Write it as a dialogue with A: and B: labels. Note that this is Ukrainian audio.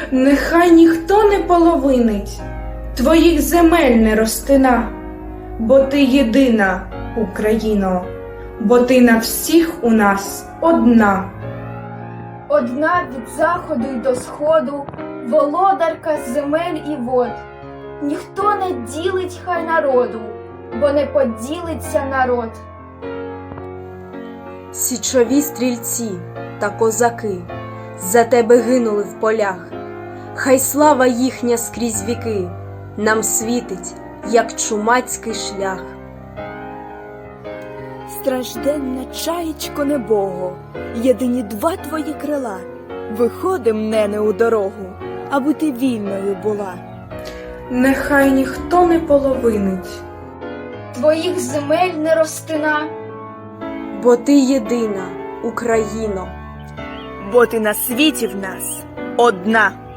A: Нехай ніхто не половинить, твоїх земель не розтина, бо ти єдина, Україно, бо ти на всіх у нас одна.
B: Одна від заходу й до сходу, володарка земель і вод. Ніхто не ділить хай народу, бо не поділиться народ.
C: Січові стрільці та козаки за тебе гинули в полях. Хай слава їхня скрізь віки нам світить, як чумацький шлях.
D: Стражденна чаєчко небого, єдині два твої крила. Виходим, нене, у дорогу, аби ти вільною була.
A: Нехай ніхто не половинить,
B: Твоїх земель не розтина,
C: Бо ти єдина, Україно.
D: Бо ти на світі в нас одна.